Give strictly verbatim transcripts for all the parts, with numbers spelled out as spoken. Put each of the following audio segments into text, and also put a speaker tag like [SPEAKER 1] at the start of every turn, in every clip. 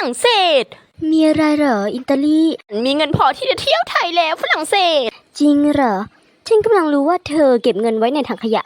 [SPEAKER 1] รั่งเศส
[SPEAKER 2] มีอะไรเหรออิตาลี
[SPEAKER 1] มีเงินพอที่จะเที่ยวไทยแล้วฝรั่งเศส
[SPEAKER 2] จริงเหรอฉันกำลังรู้ว่าเธอเก็บเงินไว้ในถังขยะ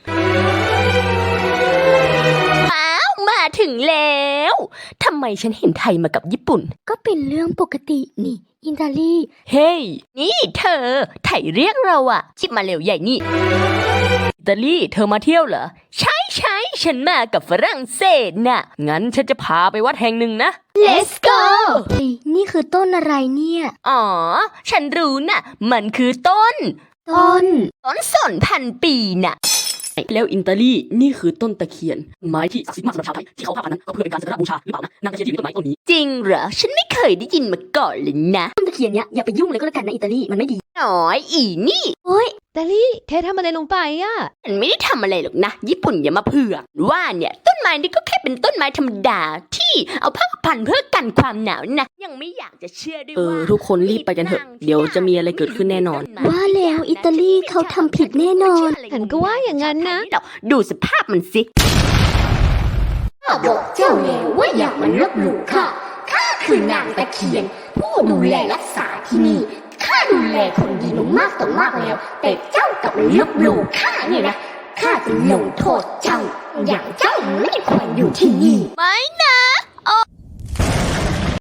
[SPEAKER 1] อ้าวมาถึงแล้วทำไมฉันเห็นไทยมากับญี่ปุ่น
[SPEAKER 2] ก็เป็นเรื่องปกตินี่อิตาลี
[SPEAKER 1] เฮ้ hey, นี่เธอไทยเรียกเราอะชิบมาเร็วใหญ่นี่อิตาลีเธอมาเที่ยวเหรอใช่ใช่ฉันมากับฝรั่งเศสน่ะงั้นฉันจะพาไปวัดแห่งหนึ่งนะ
[SPEAKER 2] Let's go นี่คือต้นอะไรเนี่ย
[SPEAKER 1] อ๋อฉันรู้น่ะมันคือต้น
[SPEAKER 2] ต้น
[SPEAKER 1] ต้นสนพันปีน่ะ
[SPEAKER 3] แล้วอินตาลีนี่คือต้นตะเคียนไม้ที่ศักดิ์สิทธิ์มากสำหรับชาวไทยที่เขาพาพันนั้นก็เพื่อเป็นการสักการะบูชาหรือเปล่านะนางตะเคียนที่อยู่ในต้นไม้ต้นนี้
[SPEAKER 1] จริงเหรอฉันไม่เคยได้ยินมาก่อนเลยนะ
[SPEAKER 2] ต้นตะเคียนเนี้ยอย่าไปยุ่งเลยก็แล้วกันนะอิตาลีมันไม่ดี
[SPEAKER 1] น้อยอีนี่
[SPEAKER 2] โอ๊ย
[SPEAKER 4] อิตาลีเธอทำอะไรลงไปอ่ะ
[SPEAKER 1] ฉันไม่ได้ทำอะไรหรอกนะญี่ปุ่นอย่ามาเผือกว่าเนี่ยต้นไม้นี่ก็แค่เป็นต้นไม้ธรรมดาที่เอาผ้าพันเพื่อกันความหนาวนะยังไม่อยากจะเชื่อด้วย
[SPEAKER 3] ว่าเออทุกคนรีบไปกันเถอะเดี๋ยวจะมีอะไรเกิดขึ้นแน่นอน
[SPEAKER 2] ว่าแล้วอิตาลีเขาทำผิดแน่นอน
[SPEAKER 4] ฉันก็ว่าอย่างนั้นนะ
[SPEAKER 1] ดูสภาพมันสิ
[SPEAKER 5] ข้าบอกเจ้าแล้วว่าอย่ามาลบหลู่ข้าข้าคือนางตะเคียนผู้ดูแลรักษาที่นี่ข้าดูแลคนดีมามากต่อมากแล้วแต่เจ้ากลับมาลบหลู่ข้าเนี่ยนะข้าจะลงโทษเจ้าอย่างเจ้าไม่ควรอยู่ที่นี่
[SPEAKER 1] ไม่